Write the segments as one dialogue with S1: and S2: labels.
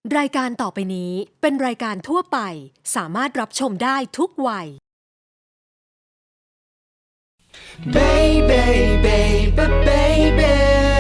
S1: รายการต่อไปนี้เป็นรายการทั่วไปสามารถรับชมได้ทุกวัย
S2: Baby, baby, baby,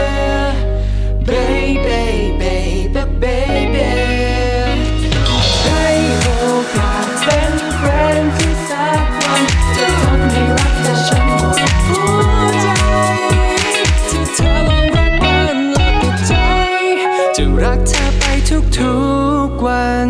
S2: baby, baby, baby ให้โอกาสเป็นแฟนที่สักวันจะทำให้รักแต่ฉันหมดหัวใจที่เธอลองรักมันและติดใจจะรักเธอไปทุกๆวัน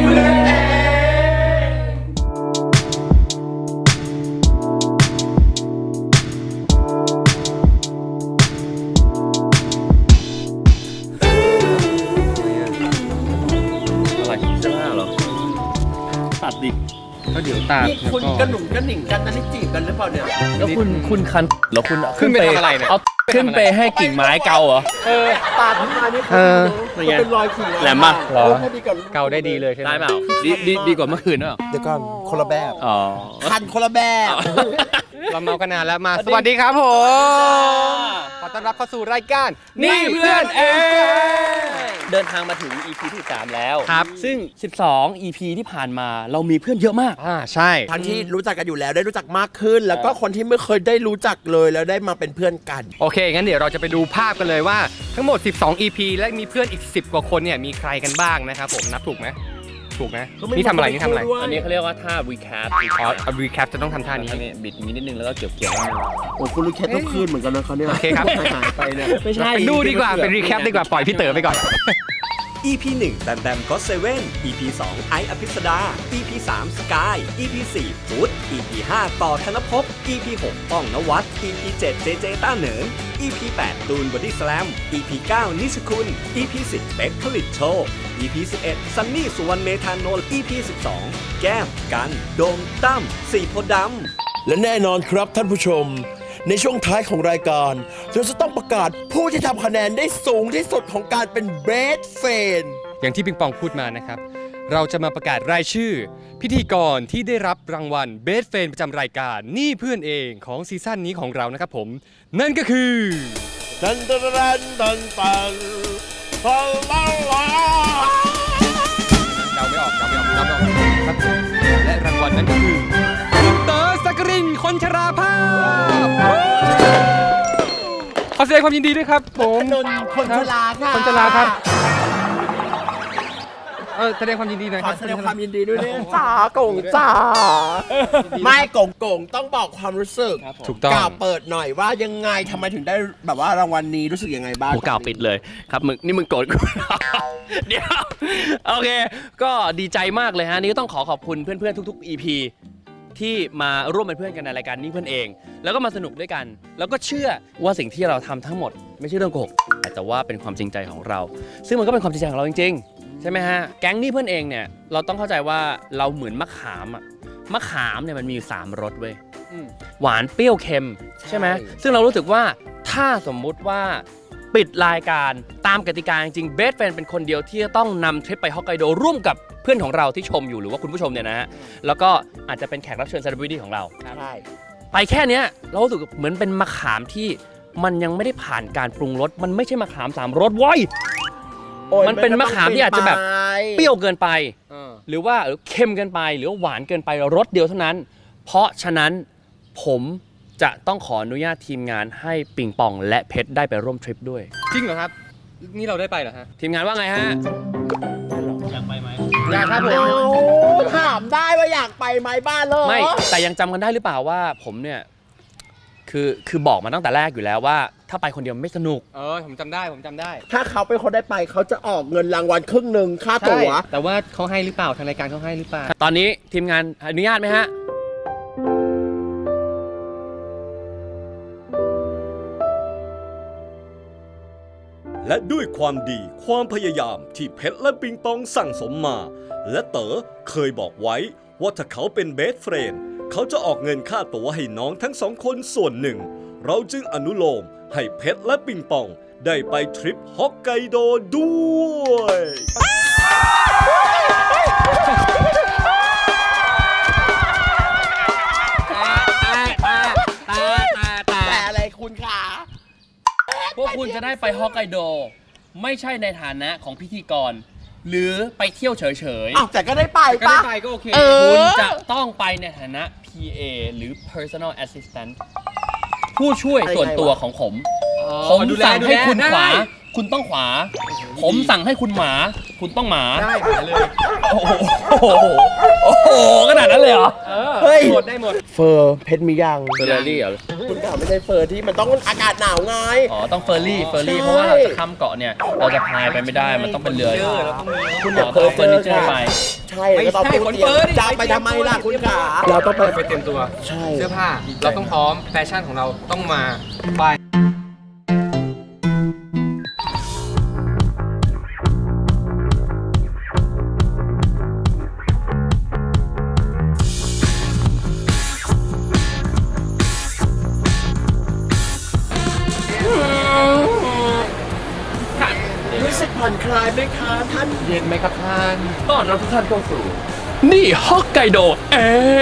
S3: ตัดดิก็เดี๋ยวตัด
S4: นี่คุณกระหนุ่มกระหนิ่งกันนั่นนี่จีบกันหรือเปล่าเนี่ย
S3: แล้วคุณคันแล้วคุณ
S5: ขึ้นไปทำอะไรเนี่ย
S3: เอาขึ้นไปให้กิ่งไม้เกาเหรอ
S4: ปาดขึ้นมานี่คือเป็นรอยขีด
S3: แหลมมากเหรอ
S5: เกาได้ดีเลยใช่ไหม
S3: ได้เปล่าดีกว่าเมื่อคืนเนอะ
S4: เดี๋ยวก่อนคนละแบบ
S3: อ๋อ
S4: คันคนละแบบ
S5: เราเมากันนานแล้วมาสวัสดีครับผมขอต้อนรับเข้าสู่รายการ
S3: นี่เพื่อนเองเดินทางมาถึง EP ที่3แล้ว
S5: ครับ
S3: ซึ่ง 12 EP ที่ผ่านมาเรามีเพื่อนเยอะมาก
S5: ใช่
S4: ทั้งที่รู้จักกันอยู่แล้วได้รู้จักมากขึ้น แล้วก็คนที่ไม่เคยได้รู้จักเลยแล้วได้มาเป็นเพื่อนกัน
S5: โอเคงั้นเดี๋ยวเราจะไปดูภาพกันเลยว่าทั้งหมด 12 EP และมีเพื่อนอีก 10 กว่าคนเนี่ยมีใครกันบ้างนะครับผมนับถูกไหมถูกนะนี่ทำอะไรนี่ทำอะไร
S3: อันนี้เขาเรียกว่าท่า recap
S5: อ๋อรีแคปจะต้องทำท่านี้
S3: ท่านี้บิดอย่างนี้นิดนึงแล้วก็เกี่ยว
S4: โอ้คุณรู้แค่ต้องคืนเหมือนกันนะเขาเนี่ย
S5: โอเคครับ
S4: หายไปเนี่ย
S3: ไม่ใช่
S5: ดูดีกว่าเป็นรีแคปดีกว่าปล่อยพี่เต๋อไปก่อน
S6: EP 1 แบมแบมก็เซเว่น EP 2 ไอซ์อภิสดา EP 3 สกาย EP 4 ฟุต EP 5 ต่อธนภพ EP 6 ป้องนวัด EP 7 เจเจต้าเหนิง EP 8 ตูนบอดี้สแลม EP 9 นิชคุณ EP 10 เป๊กผลิตโชค EP 11 ซันนี่สุวรรณเมธานนท์ EP 12 แก้ม กัน โดม ตั้ม สีโพธิ์ดำ
S7: และแน่นอนครับท่านผู้ชม ในช่วงท้ายของรายการเราจะต้องประกาศผู้ที่ทำคะแนนได้สูงที่สุดของการเป็นเบสเฟน
S5: อย่างที่ปิงปองพูดมานะครับ เราจะมาประกาศรายชื่อ พิธีกรที่ได้รับรางวัลเบสเฟนประจำรายการนี่เพื่อนเองของซีซั่นนี้ของเรานะครับผม นั่นก็คือ
S7: ตันตันตันตันตันตันตันตัน
S5: เดาไม่ออกครับและรางวัลนั้นก็คือเต๋อสักกรินคนชราภาพขอแสดงความยินดีด้วยครับผม
S4: นนคนชราค่ะ
S5: คนชราครับแสดงความยินดีหน่อย
S4: ข
S5: ค
S4: อ
S5: รับ
S4: แสดงความยินดีด้วยเนี่ยจ้ากงจ้าไม่กงต้องบอกความรู้สึก
S5: ถูกต้อง
S4: กล่าวเปิดหน่อยว่ายังไงทำไมถึงได้แบบว่ารางวัลนี้รู้สึกยังไงบ้าง
S3: กูกล่าวปิดเลยครับมึงโกรธกู เดี๋ยวโอเค ก็ดีใจมากเลยฮะนี่ก็ต้องขอบคุณเพื่อนๆทุกๆ EP ที่มาร่วมเป็นเพื่อนกันในรายการนี้เพื่อนเอง แล้วก็มาสนุกด้วยกัน แล้วก็เชื่อว่าสิ่งที่เราทำทั้งหมดไม่ใช่เรื่องโกหกแต่ว่าเป็นความจริงใจของเรา ซึ่งมันก็เป็นความจริงใจของเราจริงๆใช่ไหมฮะแก๊งนี้เพื่อนเองเนี่ยเราต้องเข้าใจว่าเราเหมือนมะขามอะมะขามเนี่ยมันมีอยู่3รสเว้ยหวานเปรี้ยวเค็มใช่ไหมซึ่งเรารู้สึกว่าถ้าสมมุติว่าปิดรายการตามกติกาจริงๆเบสแฟนเป็นคนเดียวที่จะต้องนำทริปไปฮอกไกโดร่วมกับเพื่อนของเราที่ชมอยู่หรือว่าคุณผู้ชมเนี่ยนะฮะแล้วก็อาจจะเป็นแขกรับเชิญเซเลบริตี้ของเรา
S4: ใช่
S3: ไปแค่เนี้ยเรารู้สึกเหมือนเป็นมะขามที่มันยังไม่ได้ผ่านการปรุงรสมันไม่ใช่มะขาม3รสเว้ย มันเป็นมะขามที่อาจจะแบบเปรี้ยวเกินไป หรือว่าเค็มเกินไปหรือว่าหวานเกินไปรสเดียวเท่านั้น เพราะฉะนั้นผมจะต้องขออนุญาตทีมงานให้ปิงปองและเพชรได้ไปร่วมทริปด้วย
S5: จริงเหรอครับ นี่เราได้ไปเหรอฮะ
S3: ทีมงานว่าไงฮะ
S5: อยากครับผม
S4: ถามได้ว่าอยากไปไหมบ้านเลย
S3: ไม่แต่ยังจำกันได้หรือเปล่าว่าผมเนี่ยคือบอกมาตั้งแต่แรกอยู่แล้วว่า ถ้าไปคนเดียวไม่สนุก
S5: ผมจำได้
S4: ถ้าเขาเป็นคนได้ไปเขาจะออกเงินรางวัลครึ่งหนึ่งค่าตั๋ว
S5: แต่ว่าเขาให้หรือเปล่าทางรายการเขาให้หรือเปล่า
S3: ตอนนี้ทีมงานอนุญาตไหมฮะ
S6: และด้วยความดีความพยายามที่เพชรและปิงปองสั่งสมมา และเต๋อเคยบอกไว้ว่าถ้าเขาเป็นเบสเฟรนด์เขาจะออกเงินค่าตั๋วให้น้องทั้ง2 คนส่วนหนึ่ง เราจึงอนุโลมให้เพชรและปิงปองได้ไปทริปฮอกไกโดด้วย
S4: แต่อะไรคุณคะ
S3: พวกคุณจะได้ไปฮอกไกโด ไม่ใช่ในฐานะของพิธีกรหรือไปเที่ยวเฉย
S4: อ้าวแต่ก็ได้ไป
S5: ก็
S4: ปะ
S5: ได้ไปก็โอเค
S3: คุณจะต้องไปในฐานะ PA หรือ Personal Assistant ผู้ช่วยส่วนตัวของผม ผมสั่งให้คุณขวา คุณต้องขวา ผมสั่งให้คุณหมา คุณต้องหมา
S5: ได้หาเลย
S3: โอ้โหโอ้โหขนาดนั้นเลยเหรอ
S4: เฮ้ย
S5: หมดได้หมด
S4: เฟอร์เพชรมียัง
S3: เฟอร์รารี่เหรอ
S4: คุณถามไม่ใช่เฟอร์ที่มันต้องอากาศหนาวไง
S3: อ๋อ ต้องเฟอร์รี่ เพราะว่าเราจะข้ามเกาะเนี่ย เราจะพายไปไม่ได้ มันต้องเป็นเรือ
S4: คุณอย่า
S3: เฟอร์นิเจอร์
S4: ค่ะ
S3: ไป
S4: ใช่แล้วก็ต้อง
S5: ไม่ใช่
S4: พูด
S5: คนเฟอร์ดิ
S4: จะไปทำไมล่ะคุณขาเราต้องไป
S5: ไปเตรียมตัว
S4: ใช่
S5: เสื้อผ้า เราต้องพร้อม แฟชั่นของเราต้องมาไป
S4: รู้สึกผ่อนคลายไหมคะท่าน
S5: เย็นไหมครับท่าน
S3: ต้อนรับทุกท่านเข้าสู่ นี่ฮอกไกโดเอง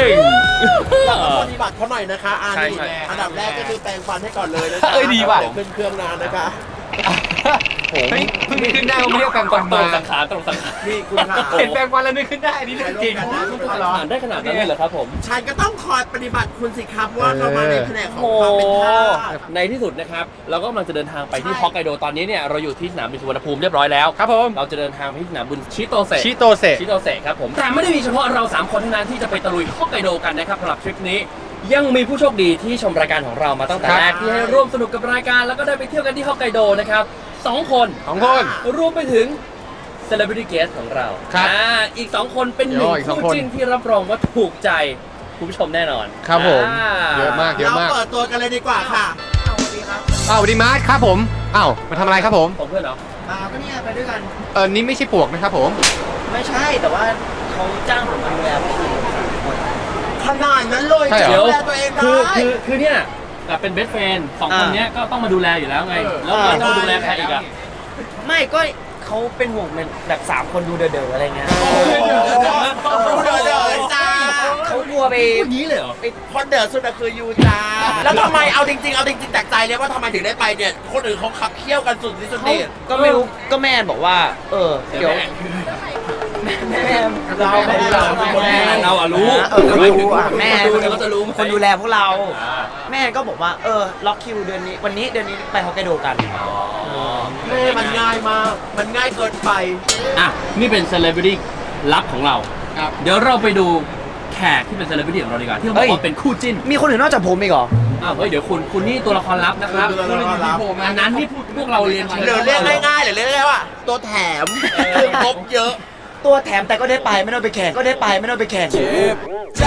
S4: เราต้องปฏิบัติเขาหน่อยนะคะอัน
S3: ใช่
S4: นี้
S3: ใช่
S4: อันดับแรกก็คือแปรงฟันให้ก่อนเลยนะคะ
S5: เอ้ยดีว่ะ
S4: เดี๋ยวขึ้นเครื่องนานนะคะ
S5: เฮ้ยเพิ่งนึกขึ้นได้ว่าไม่ได้เอาแปรงฟัน
S3: ตร
S5: มา
S3: งสังขารตรงสังขาร
S4: นี่คุณขา
S5: เห็นแปรงฟันแล้วนึกขึ้นได้อันนี้เรื่องจริง
S3: อ่านได้ขนาดนั้นเลยเหรอครับผม
S4: ฉันก็ต้องคอยปฏิบัติคุณสิครับว่าเรามาในแผนกของความเป็นทาส
S3: ในที่สุดนะครับ เราก็กำลังจะเดินทางไปที่ฮอกไกโดตอนนี้เนี่ยเราอยู่ที่สนามบินสุวรรณภูมิเรียบร้อยแล้ว
S5: ครับผม
S3: เราจะเดินทางไปที่สนามบินชิโตเซ
S5: ชิโตเซ
S3: ชิโตเซครับผม แต่ไม่ได้มีเฉพาะเรา 3 คนเท่านั้นที่จะไปตะลุยฮอกไกโดกันนะครับสำหรับทริปนี้ ยังมีผู้โชคดีที่ชมรายการของเรามาตั้งแต่
S5: ครับ
S3: แรกที่ให้ร่วมสนุกกับรายการแล้วก็ได้ไปเที่ยวกันที่ฮอกไกโดนะครับ2 คน
S5: 2 คน
S3: รวมไปถึง Celebrity Guest ของเรา
S5: ครับ
S3: อีก 2 คนเป็นหนึ่ง
S5: อีกสอง
S3: คู่
S5: คน
S3: จิ้นที่รับรองว่าถูกใจคุณผู้ชมแน่นอน
S5: ครับผม
S3: อ่า
S5: เยอะมากเยอะ
S4: เรา
S5: มาก
S4: เปิดตัวกันเลยดีกว่าค่ะ
S5: อ้าวสวัสดีมาร์ทครับผมอ้าวมาทำอะไรครับผม
S3: ผมเพื่อนเหรอ
S8: ก็เนี่ยไปด้วยกัน
S5: นี่ไม่ใช่ปวกนะครับผม
S8: ไม่ใช่แต่ว่าเขาจ้างผมมาดูแลพี่
S4: ขนาดนั้นเลย
S5: ใช่เหรอ
S3: เดี๋ยว
S4: ดูแลตัวเองได้
S3: คือเนี่ยเป็นเบสเฟนสองคนเนี้ยก็ต้องมาดูแลอยู่แล้วไง แล้วเราจะมาดูแลใครอีกอะ
S8: ไม่ก็เขาเป็นห่วงเป็นแบบ3 คนดูเด๋อๆอะไรเงี้ย
S4: เดือดเลยจ้า
S8: เขากลัวไป
S3: พูดงี้เลยเหรอ
S4: คนเดือดสุดอะคือยูจ้า แล้วทำไมเอาจริงจากใจเลยว่าทำไมถึงได้ไปเนี่ย คนอื่นเขาขับเคี่ยวกันสุดที่สุด
S8: เขา
S4: นี่
S8: ก็ไม่รู้ก็แม่บอกว่า เดี๋ยวแม่เราไม่ได้เรา
S3: เราอะรู้
S8: ไม่รู้อ่ะแม่
S3: ดูแล้วก็จะรู้
S8: คนดูแลพวกเรา แม่ก็บอกว่าล็อกคิวเดือนนี้วันนี้เดือนนี้ไปฮอกไกโดกัน
S4: แม่มันง่ายมาก มันง่ายเกินไป
S3: อ่ะ นี่เป็นเซเลบริตี้ลับของเรา
S5: ครับ
S3: เดี๋ยวเราไปดูแขกที่เป็นเซเลบริตี้ของเราดีกว่าที่เขาบอกว่าเป็นคู่จิ้น
S8: มีคนอื่นนอกจากผมอีกเหรอ
S3: อ้าวเฮ้ยเดี๋ยวคุณนี่ตัวละครลับนะครับ
S4: ตัวละครลับ
S3: อันนั้นที่พวกเราเรียนเชิญ
S4: หรือเรียกง่ายๆหรือเรียกง่ายๆว่าตัวแถมคืองบเยอะ
S8: ตัวแถมแต่ก็ได้ไปไม่ต้องไปแข่งก็ได้ไปไม่ต้องไปแข่ง
S2: ใจ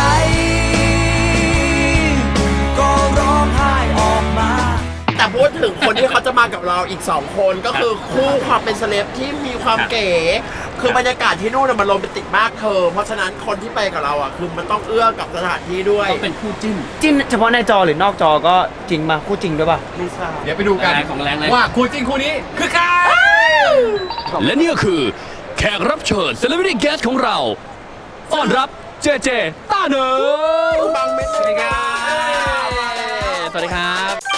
S2: ก็ร้องไห้ออกมา
S4: แต่พูดถึงคนที่เขาจะมากับเราอีก 2 คนก็คือคู่ความเป็นเซเลบที่มีความเก๋ คือบรรยากาศที่นู่นนะมันโรแมนติกมากเธอ เพราะฉะนั้นคนที่ไปกับเราอ่ะคือมันต้องเอื้อกับสถานที่ด้วย
S3: ต้องเป็นคู่จิ้น
S8: จิ้นเฉพาะในจอหรือนอกจอก็จริงมาคู่จริงด้วยป่ะ
S4: ไม่ทราบ
S5: เดี๋ยวไปดูกัน
S3: แรงของแรงเลย
S5: ว่าคู่จริงคู่นี้คือใคร
S3: และนี่ก็คือแขกรับเชิญ Celebrity Guest ของเราต้อนรับเจเจต้าเหนิง
S4: บังเม็ดสวัสดีครับ
S3: สวัสดีครับ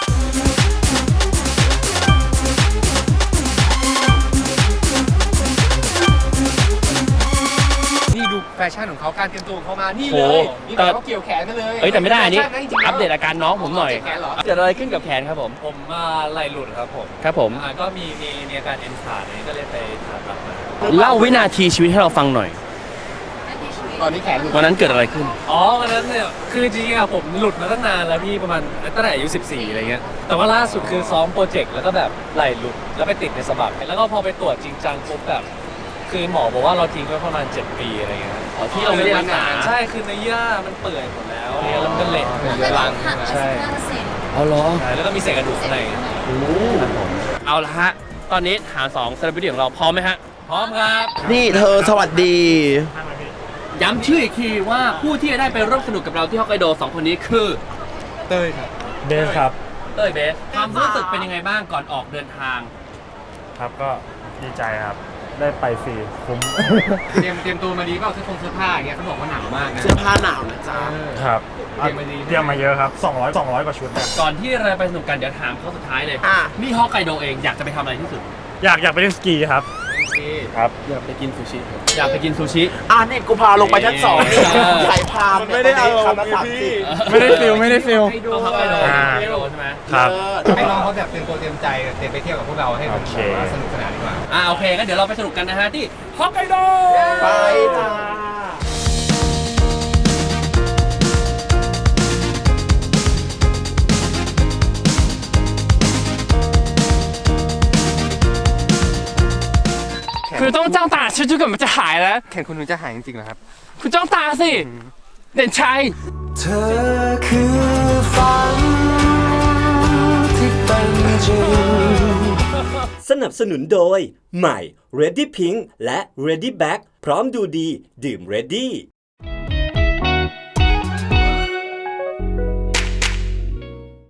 S5: นี่ดูแฟชั่นของเขาการเตรียมตัวของเขามานี่
S3: โห
S5: เลยนี่
S3: แต่
S5: เขาเกี่ยวแขนมาเลย
S3: เอ้ยแต่ไม่ได้อันนี้
S5: แฟชั่ะจริงๆแล้ว
S3: อัปเดตอาการน้องผมหน่อย
S5: เจ็บแขนเหรอ
S3: เกิดอะไรขึ้นกับแขนครับผม
S9: ผมมาไหลหลุดครับผม
S3: ครับผม
S9: ก็มีอาการเอ็นขาดอะไรก็เลยไปผ่าตัดมา
S3: เล่าวินาทีชีวิตให้เราฟังหน่อย
S5: ตอนนี้แขนหลุด
S3: วันนั้นเกิดอะไรขึ้น
S9: อ๋อวันนั้นเนี่ยคือจริงๆอะผมหลุดมาตั้งนานแล้วพี่ประมาณตั้งแต่อายุ14อะไรเงี้ยแต่ว่าล่าสุดคือซ้อมโปรเจกต์แล้วก็แบบไหลหลุดแล้วไปติดในสะบักแล้วก็พอไปตรวจจริงจังปุ๊บแบบคือหมอบอกว่าเราทิ้งไว้ประมาณ7 ปีอะไรเงี้ย
S3: อ๋อที่เราไม่ได้รักษา
S9: ใช่คือในเยื่อมันเปื่อยหมดแล้วเนี่ยแล้วมันก็เละ
S5: เป็นเรื้อรังใช่ไหม
S9: ใช่
S3: เอาเหรอ
S9: ใช่แล้วก็มีเศษกระดูกข้างใน
S3: เอาละฮะ ตอนนี้หา2 Celebrity ของเราพร้อมไหมฮะ
S9: พร้อมครับ
S4: นี่เธอสวัสดี
S3: ย้ำชื่ออีกทีว่าผู้ที่จะได้ไปร่วมสนุกกับเราที่ฮอกไกโด2 คนนี้คือ
S5: เต้ยครับ
S9: เบสครับ
S3: เต้ยเบสความรู้สึกเป็นยังไงบ้างก่อนออกเดินทาง
S9: ครับก็ดีใจครับได้ไปฟรีคุ้ม
S5: เตรียมตัวมาดีเปล่าเสื้อผ้าอย่างเงี้ยเขาบอกว่าหนาวมากนะ
S4: เสื้อผ้าหนาวนะจ๊ะ
S9: ครับ
S5: เตรียมมาดี
S9: เตรียมมาเยอะครับ200 กว่าชุดนะ
S3: ก่อนที่เราไปสนุกกันเดี๋ยวถามเขาสุดท้ายเลย
S4: อ่ะ
S3: นี่ฮอกไกโดเองอยากจะไปทำอะไรที่สุด
S9: อยากไปเล่นสกีครับ
S5: สี
S3: ครับ
S9: อยากไปกินซูชิ
S3: อยากไปกินซูชิ
S4: นี่กูพาลงไปชั้น2นี่ใครพา
S7: มันไม่ได้อารมณ์
S4: คำละ
S7: ไงพี่
S4: 30
S9: ไม่ได้ฟิลไม่ได้ฟิล
S3: ต้องเข้าไปโดนใช่ไหม
S7: ครับ
S5: ให้น้องเขาแบบเตรียมตัวเตรียมใจเตรียมไปเที่ยวกับพวกเราให้มัน
S7: โอเค
S5: แบบว่าสนุกสนานดีกว่า
S3: โอเคงั้นเดี๋ยวเราไปสนุกกันนะฮะที่ฮอกไกโด
S4: ไปจ้า
S9: คือต้องจ้องตาชื่อจุกมันจะหายแล้ว
S5: แข่งคุณถึงจะหายจริงๆเหรอครับ
S9: คุณจ้องตาสิ เด่นชัย
S2: เธอคือฝันที่เป็นจริง
S6: สนับสนุนโดย ใหม่ Ready Pink และ Ready Black พร้อมดูดี ดื่ม Ready